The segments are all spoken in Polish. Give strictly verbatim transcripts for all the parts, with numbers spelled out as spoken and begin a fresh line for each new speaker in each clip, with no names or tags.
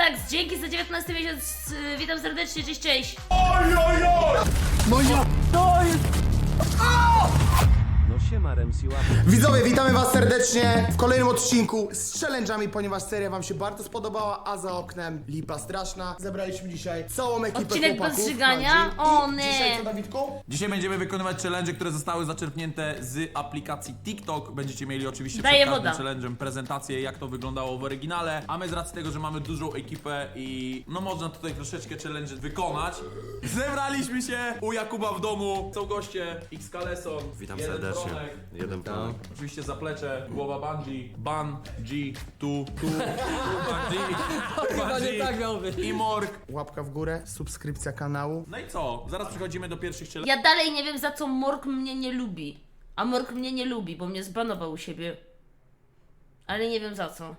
Atax, dzięki za dziewiętnasty miesiąc, yy, witam serdecznie, cześć, cześć.
Oj, oj, oj!
No ja... To jest...
No siema Remsi łapy.
Widzowie, witamy was serdecznie w kolejnym odcinku z challenge'ami, ponieważ seria wam się bardzo spodobała, a za oknem lipa straszna. Zebraliśmy dzisiaj całą ekipę
Odcinek
chłopaków.
bez żygania?
Madzi.
O,
I
nie.
Dzisiaj co, Dawidku?
Dzisiaj będziemy wykonywać challenge, które zostały zaczerpnięte z aplikacji TikTok. Będziecie mieli oczywiście
Daję
przed każdym
woda.
challenge'em prezentację, jak to wyglądało w oryginale. A my z racji tego, że mamy dużą ekipę i no można tutaj troszeczkę challenge wykonać, zebraliśmy się u Jakuba w domu. Są goście, X Kaleson,
Witam
jeden
serdecznie.
Bronek,
Jeden Bronek.
oczywiście zaplecze, głowa Bungie, Ban, G, tu, tu, tu, Bungie,
tak miał być.
i Morg.
Łapka w górę, subskrypcja kanału.
No i co? Zaraz przechodzimy do pierwszych challenge.
Ja dalej nie wiem, za co Morg mnie nie lubi. A Morg mnie nie lubi, bo mnie zbanował u siebie. Ale nie wiem za co.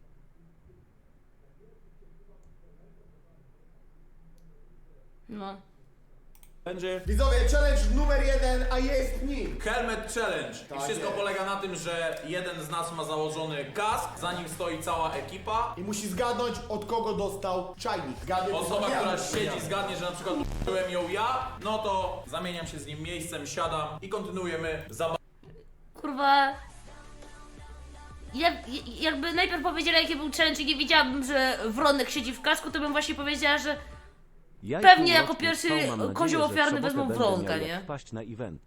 No.
Będzie
Widzowie, challenge numer jeden, a jest nim.
Helmet Challenge. I
Tak
wszystko
jest.
polega na tym, że jeden z nas ma założony kask, za nim stoi cała ekipa.
I musi zgadnąć, od kogo dostał czajnik. Zgadnij,
Osoba,
ja.
która siedzi, zgadnie, że na przykład byłem ją ja, no to zamieniam się z nim miejscem, siadam i kontynuujemy zabawę.
Kurwa. Ja, ja- jakby najpierw powiedziała, jaki był challenge i nie wiedziałabym, że Wronek siedzi w kasku, to bym właśnie powiedziała, że
Ja i
Pewnie jako
półroczny
pierwszy
trwał, mam nadzieję,
kozioł
że w
ofiarny
sobotę
wezmą
będę
Wronka,
miał
nie?
jak wpaść na event.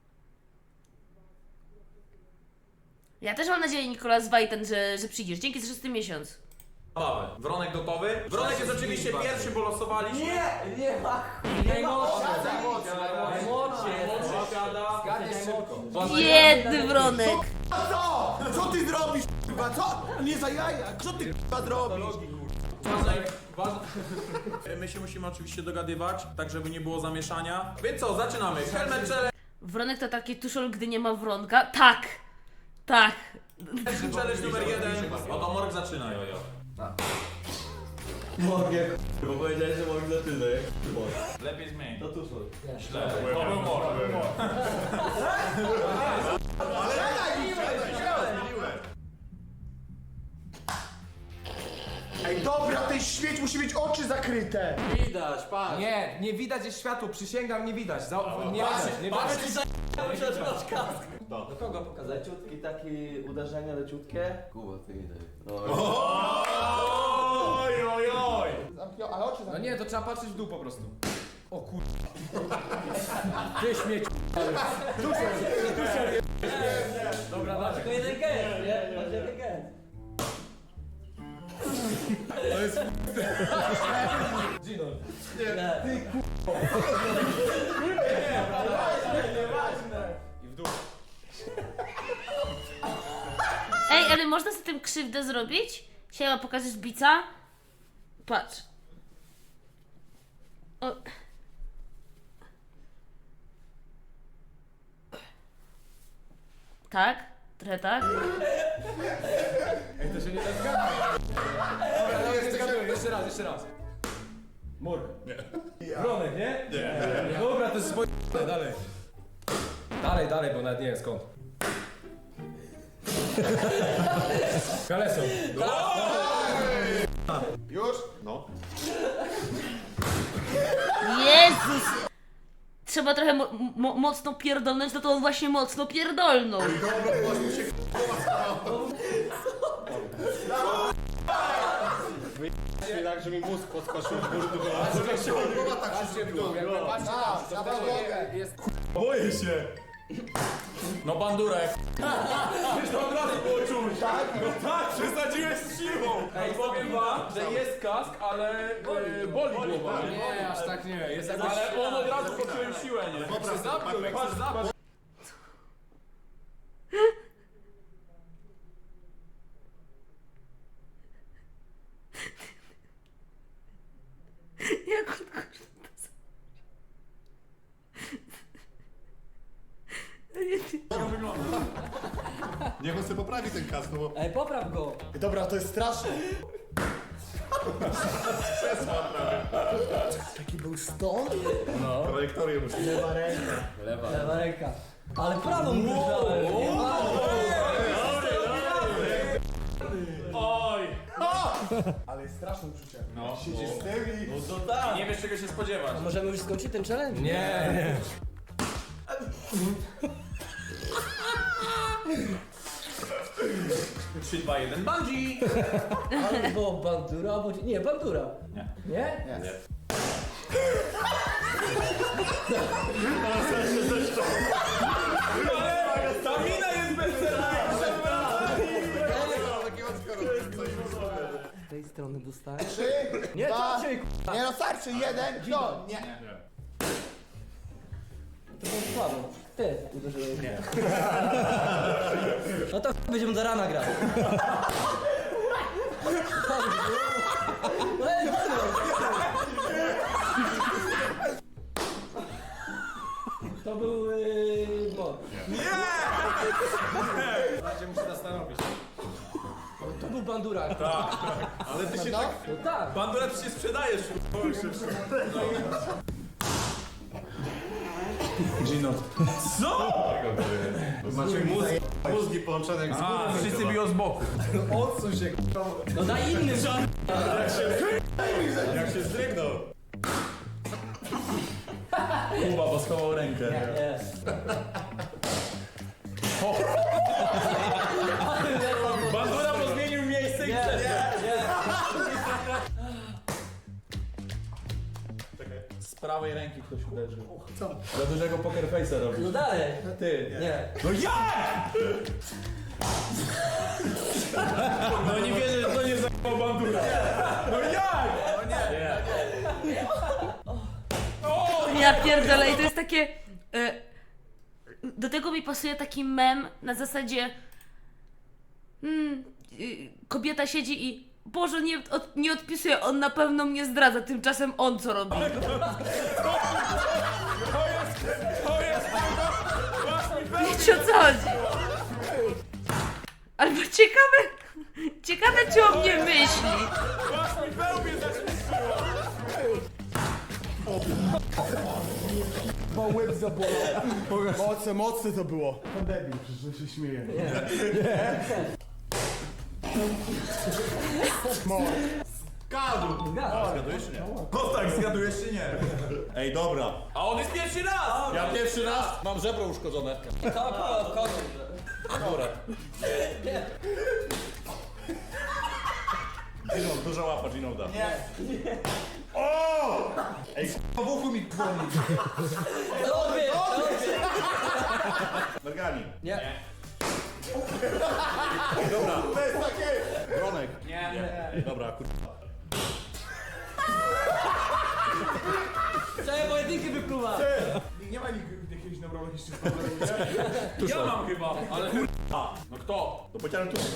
ja też mam nadzieję, Nikolas Wajten, że, że przyjdziesz. Dzięki za szósty miesiąc.
Wronek gotowy? Wronek jest oczywiście pierwszy, bo losowaliśmy. Nie!
Nie ma najmłodszy.
Młodszy siada.
Zgadniesz szybko.
Biedny Wronek.
A co? Co ty zrobisz, k***a? Co? Nie za jaja, co ty k***a zrobisz?
Ważne, ważne. My się musimy oczywiście dogadywać, tak żeby nie było zamieszania. Więc co, zaczynamy. Helmet Challenge.
Wronek to taki tuszol, gdy nie ma Wronka. Tak. Tak.
Challenge numer jeden. Oto Morg zaczyna, jojo.
Mogę. Bo powiedziałeś, że mogę zaczynać.
Lepiej zmień.
To tuż.
Źle. To był Morg.
Ej, dobra, ten śmieć musi mieć oczy zakryte.
Widać, patrz.
Nie, nie widać jest światło, przysięgam, nie widać. Za, nie widać, nie widać.
Do kogo pokazać? Leciutki taki uderzenie leciutkie. Kuba, ty widać.
Oj, oj, oj.
Zamknął, ale oczy
No
zamknął.
nie, to trzeba patrzeć w dół po prostu. O kur... Ty śmieć. Dobra, dalej.
To jeden gest, nie? To jeden gest.
Gino. I w dół.
Ej, ale można z tym krzywdę zrobić? Siema, pokażesz bica? Patrz. O. Tak? Trochę tak?
Ej, to się nie da zgadnąć. Dobra, dobra, nie zgaduję. Jeszcze raz, jeszcze raz. Mur. Nie. Wronek, nie? Nie. Dobra, to jest swoje... Dalej. Dalej, dalej, bo nawet nie wiem skąd. Kaleson.
Już?
Jezus! Trzeba trochę mo mo mocno pierdolnąć, no to on właśnie mocno pierdolnął.
Tak, że mi mózg podskoczył w górę.
Patrzcie w dół, jak patrzcie
A,
to
na
wtedy
podłogę.
jest...
Boję się. No bandurek. Już to od razu było czuć. Tak? No tak, przesadziłeś z siłą. Ej, powiem wam, że jest kask, ale e, boli głowa.
Nie, aż tak nie. Jest jakoś...
Ale on od razu poczułem siłę, nie?
Jak się zapnął, jak się zapnął.
Jak on kurwa
Niech on sobie poprawi ten kask, no bo...
Ej, popraw go.
Dobra, to jest straszne. Taki był stąd?
Trajektorię musi...
Lewa ręka.
Lewa ręka. Ale prawą uderzałem. Nie,
Oj!
Ale jest straszne uczucie.
No.
Siedzisz z tym i...
No to tak. Nie wiesz czego się spodziewać.
Możemy już skończyć ten challenge?
Nie, nie.
trzy, dwa, jeden, bungee!
Albo bandura, albo... Nie, bandura.
Nie.
Nie?
Nie.
Ale ta mina jest bezcenna!
Z tej strony dostałem.
Trzy,
Nie,
dwa...
co cię,
Nie no, starczy, jeden, no, nie.
to było słabo. Ty uderzyłeś. Nie. No to będziemy do rana grać. Ej, to był yy, bot.
Będzie muszę zastanowić.
To był bandura.
Ale ty się
No?
tak...
No tak.
Bandura, ty się sprzedajesz. Gino. Co?
Macie mózg, mózgi połączone jak z
A,
górą.
wszyscy biją z boku.
Odsuń się,
No daj inny żart.
Jak się zdrygnął.
Kuba, bo schował rękę.
Nie.
Bandura, bo zmienił miejsce i
Nie, nie, nie.
z prawej ręki ktoś uderzył. Co? Za dużego poker face'a robisz.
No dalej.
Ty.
Nie.
No jak? No nie wierzę, że to nie zajmował bandura. No jak? No nie.
Ja pierdolę i to jest takie... e, do tego mi pasuje taki mem na zasadzie... Mm, y, kobieta siedzi i... Boże, nie, od, nie odpisuje, on na pewno mnie zdradza, tymczasem on co robi. Wiecie o co chodzi? Albo ciekawe... Ciekawe, czy o mnie myśli.
Bo łeb zabolał. Mocne, mocne to było. Pan debil, przecież się śmieje. Mor.
Zgadujesz czy nie?
No tak, zgadujesz czy nie?
Ej, dobra.
A on jest pierwszy raz!
Ja pierwszy raz mam żebro uszkodzone.
Dobra.
Gino, duża łapa Ginolda. Nie. O! Ej, w uchu mi dzwoni.
Tobie, tobie.
Mergani.
Nie.
Dobra.
To jest takie...
Bronek.
Nie.
Ej, dobra, kurwa.
Całe pojedynki wypluwa.
Nie ma nikt jakiegoś neurologicznych
Ja mam chyba, ale kurwa. No kto?
To pociąłem tu.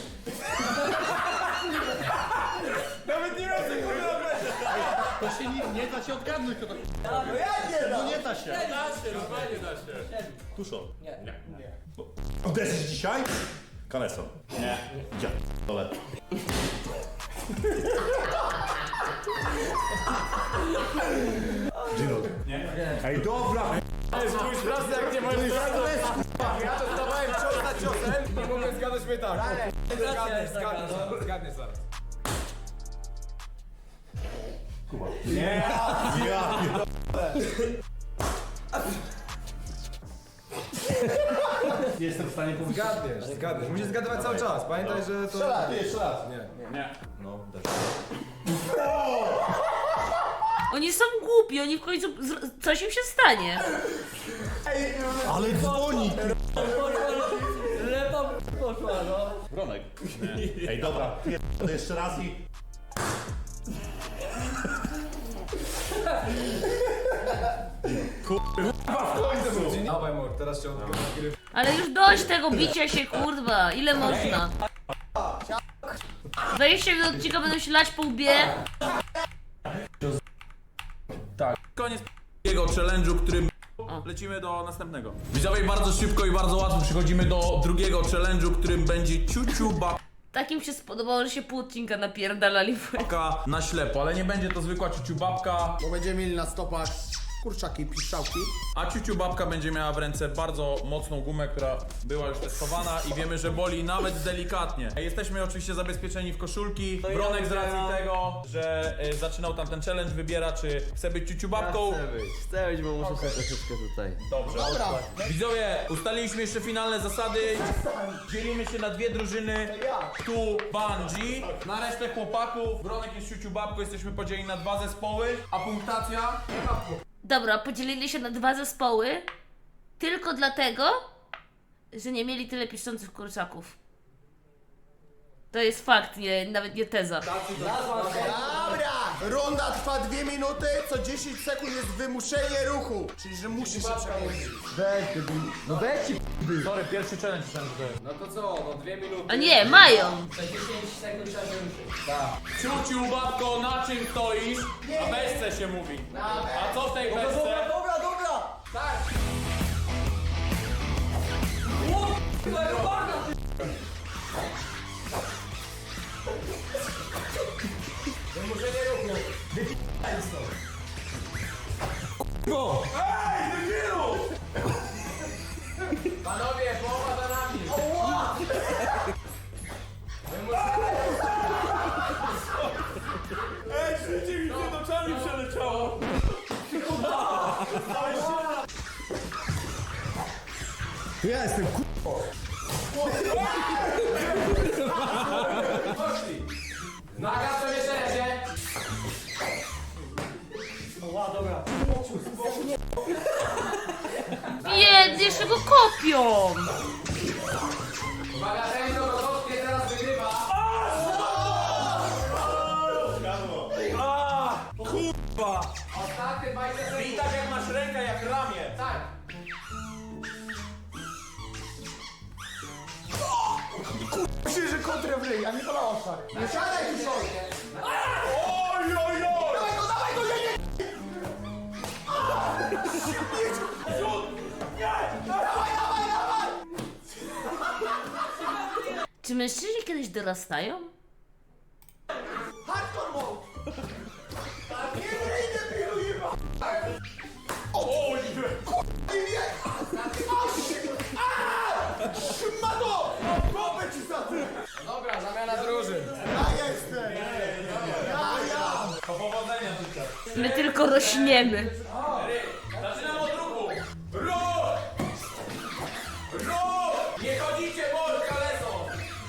Nawet nie wiem, co kurwa będzie.
To się nie, nie da się odgadnąć, kto to
No ja nie
No
dam.
nie da się.
Da się, normalnie da się.
Tuszol.
Nie.
Uderzysz dzisiaj? Kaleson. Nie. Gdzie? Dole. Gino.
Nie?
Ej, dobra.
Spójrz raz jak nie możesz
Ja dostawałem cios za ciosem i mogę zgadać mnie tak.
Racja jest taka, no.
Zgadnij zaraz.
Ja. Nie jestem w stanie powiedzieć.
Zgadniesz, zgadniesz. Musisz zgadywać cały czas. Pamiętaj, że to...
Strzelaj.
Nie, jeszcze raz. Nie.
Nie.
No, też.
Oni są głupi, oni w końcu... zr- coś im się stanie.
Ale dzwoni.
Lepa poszła, no.
Bronek. Ej, dobra. To jeszcze raz i...
Dawaj, mor, teraz cię odgrywa.
Ale już dość tego bicia się, kurwa. Ile można? dwadzieścia minut odcinka będą się lać po łbie.
Koniec jego challenge'u, którym lecimy do następnego. Widzowie, bardzo szybko i bardzo łatwo przechodzimy do drugiego challenge'u, którym będzie ciuciu
Takim się spodobało, że się pół odcinka napierdalali w łeb.
babka na ślepo, ale nie będzie to zwykła ciuciu babka.
Bo będziemy mieli na stopach kurczaki, piszczałki.
A ciuciu babka będzie miała w ręce bardzo mocną gumę, która była już testowana i wiemy, że boli nawet delikatnie. Jesteśmy oczywiście zabezpieczeni w koszulki. Bronek z racji tego, że y, zaczynał tam ten challenge, wybiera, czy chce być ciuciu babką.
Chcę być, chcę być, bo muszę sobie troszeczkę tutaj.
Dobrze.
Dobra.
Widzowie, ustaliliśmy jeszcze finalne zasady. Dzielimy się na dwie drużyny. Tu Bungie, na resztę chłopaków. Bronek jest ciuciu babką, jesteśmy podzieleni na dwa zespoły, a punktacja...
Dobra, podzielili się na dwa zespoły tylko dlatego, że nie mieli tyle piszczących kurczaków. To jest fakt, nie, nawet nie teza.
Dobra! Runda trwa dwie minuty, co dziesięć sekund jest wymuszenie ruchu. Czyli, że musi się przemieścić.
No weź ci
Sorry, pierwszy challenge ten tutaj.
No to co, no dwie minuty.
A nie, mają!
Za dziesięć sekund trzeba się ruszyć.
Ciuciu babko, na czym stoisz? Na beczce się mówi. A co w tej beczce?
Dobra, dobra!
Panowie, połowa za nami.
Ej, życie mi przed oczami przeleciało.
Ja jestem ku...
Naga, przemieszczenie się.
Biednie, jeszcze go kopią!
Uwaga, ten do Rosowskiej teraz wygrywa. Ostatnie dwadzieścia sekund.
I tak jak masz rękę, jak ramię.
Tak.
Myślę, że kontrę w ryj, a nie pola oczach. Nie siadaj tu sobie.
Oj, oj, oj!
Dawaj go, dawaj go, nie, nie! Dawaj, dawaj, dawaj!
Czy mężczyźni kiedyś dorastają?
Hardcore mode! Nie wyjdę, pilu, jeba!
Oj!
Nie wie! Szmato! Kopę ci za ty!
Dobra, zamiana drużyn.
Ja jestem! Ja, ja!
To powodzenia życzę.
My tylko rośniemy.
Zaczynam od ruchu. Ruch! Ruch! Nie chodzicie, Borka, lecą!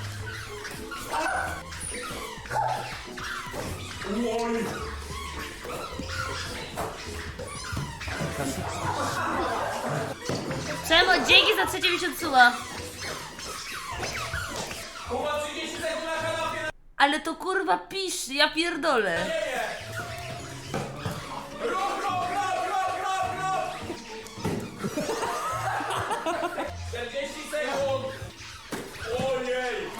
Oj!
Przemo, dzięki za trzecie miesiąc suba.
Kuba, trzydzieści sekund na kanapie.
Ale to kurwa pisz, ja pierdolę.
Ruch, ruch, ruch, ruch, ruch, ruch! czterdzieści sekund! Ojej!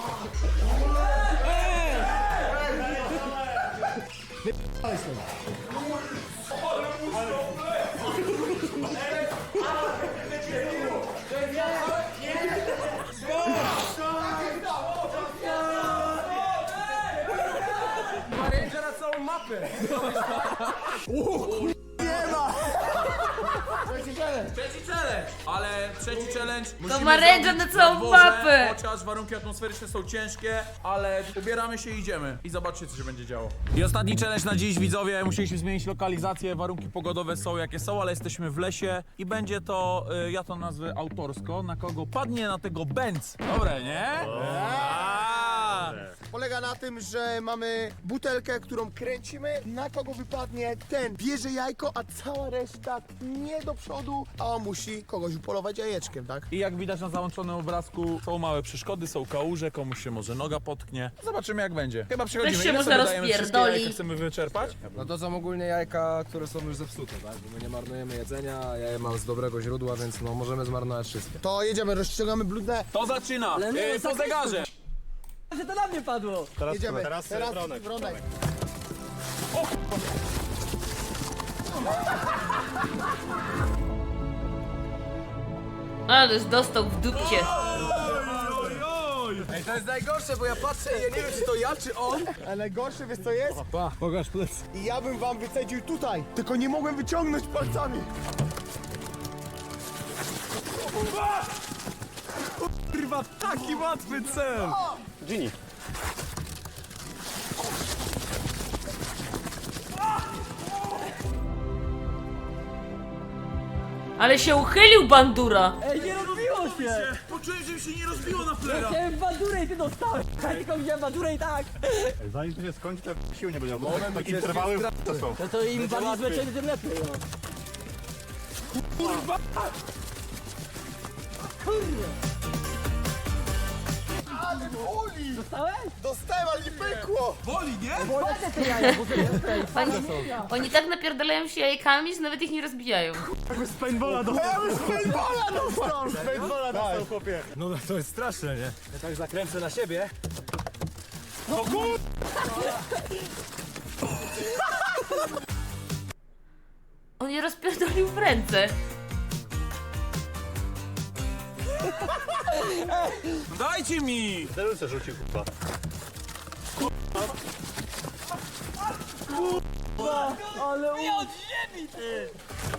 Marynka na całą mapę.
Nie ma!
Trzeci challenge! Ale trzeci challenge musimy
ma ręczę
zrobić
na całą
dworze,
mapę.
Chociaż warunki atmosferyczne są ciężkie, ale ubieramy się i idziemy. I zobaczcie, co się będzie działo. I ostatni challenge na dziś, widzowie. Musieliśmy zmienić lokalizację. Warunki pogodowe są jakie są, ale jesteśmy w lesie. I będzie to, y, ja to nazwę autorsko, na kogo padnie na tego Benz. Dobre, nie? A!
Polega na tym, że mamy butelkę, którą kręcimy. Na kogo wypadnie, ten bierze jajko, a cała reszta nie do przodu, a on musi kogoś upolować jajeczkiem, tak?
I jak widać na załączonym obrazku, są małe przeszkody, są kałuże, komuś się może noga potknie. Zobaczymy, jak będzie. Chyba przechodzimy.
Też się
Ile
można
sobie dajemy wszystkie
rozpierdolić.
jajka, chcemy wyczerpać?
No to są ogólnie jajka, które są już zepsute, tak? Bo my nie marnujemy jedzenia, ja je mam z dobrego źródła, więc no możemy zmarnować wszystkie.
To jedziemy, rozciągamy bludne.
To zaczyna! Yy, po zegarze!
Że to na mnie padło.
Jedziemy.
teraz,
Teraz
Bronek.
Bronek.
Ależ dostał w dupcie.
Ej, to jest najgorsze, bo ja patrzę i ja nie wiem, czy to ja, czy on.
A najgorsze, wiesz co jest?
Pa, pokaż plecy.
I ja bym wam wycedził tutaj, tylko nie mogłem wyciągnąć palcami.
Kurwa, taki łatwy cel.
Gini.
Ale się uchylił bandura.
Ej, nie rozbiło się!
Poczułem, że mi się nie rozbiło na
Ja
flera.
chciałem bandurę i ty dostałeś! Ja tylko widziałem bandurę i tak!
Zanim to się skończy, to sił nie będzie. Bo takie interwały to są.
No to im bardziej zlecieli, tym lepiej, no.
Ale boli!
Dostałeś?
Dostałem, ale nie pękło!
Boli, nie?
Bo lecę te jaja, bo sobie tutaj
Oni, oni tak napierdalają się jajkami, że nawet ich nie rozbijają.
Z paintballa do...
Ja już paintballa dostał!
Paintballa dostał, chłopie.
No to jest straszne, nie? Ja tak zakręcę na siebie.
On je rozpierdolił w ręce.
Dajcie mi!
Deluce rzucił, kurwa.
ale u... od ziemi, ty!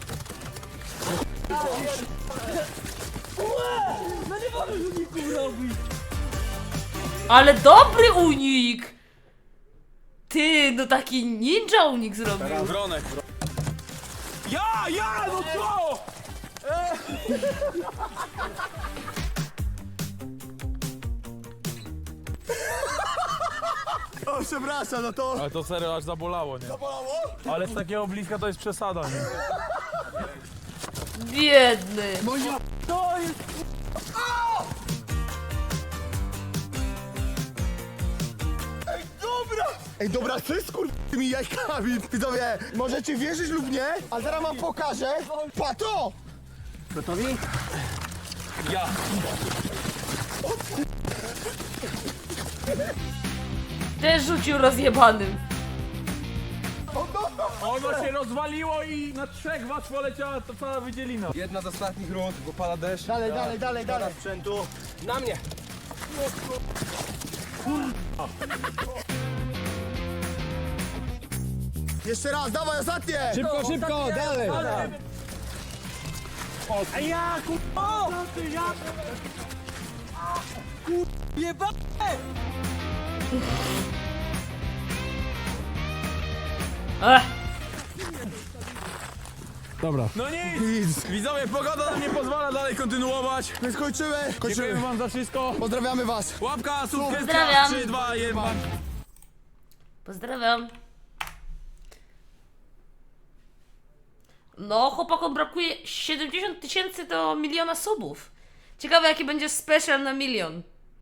No nie możesz uników robić!
Ale dobry unik! Ty, no taki ninja unik zrobił.
Wronek. Ja, ja, no co?
O, przepraszam, no to...
Ale to serio aż zabolało, nie?
Bolało?
Ale z takiego bliska to jest przesada, nie?
Biedny.
To jest...
Ej, dobra! Ej, dobra, ty z kur... tymi jajkami. Widzowie, możecie wierzyć lub nie, ale zaraz wam pokażę. Pato!
Gotowi?
Ja.
Też rzucił rozjebanym.
Ono się rozwaliło i na trzech was poleciała to cała wydzielina.
Jedna z ostatnich rund, bo pada deszcz.
Dalej, dalej, dalej, dalej.
Sprzętu. Na mnie.
Jeszcze raz, dawaj, ostatnie!
Szybko, szybko, dalej.
A ja, kur... O! Jeba...
Ech,
Dobra.
No nic!
Nic.
Widzowie, pogoda nam nie pozwala dalej kontynuować.
My skończymy,
Dziękujemy
kończymy.
wam za wszystko.
Pozdrawiamy was.
Łapka, subskrypcja,
Pozdrawiam.
trzy, dwa, jeden.
pozdrawiam. No, chłopakom brakuje siedemdziesiąt tysięcy do miliona subów. Ciekawe, jaki będzie special na milion.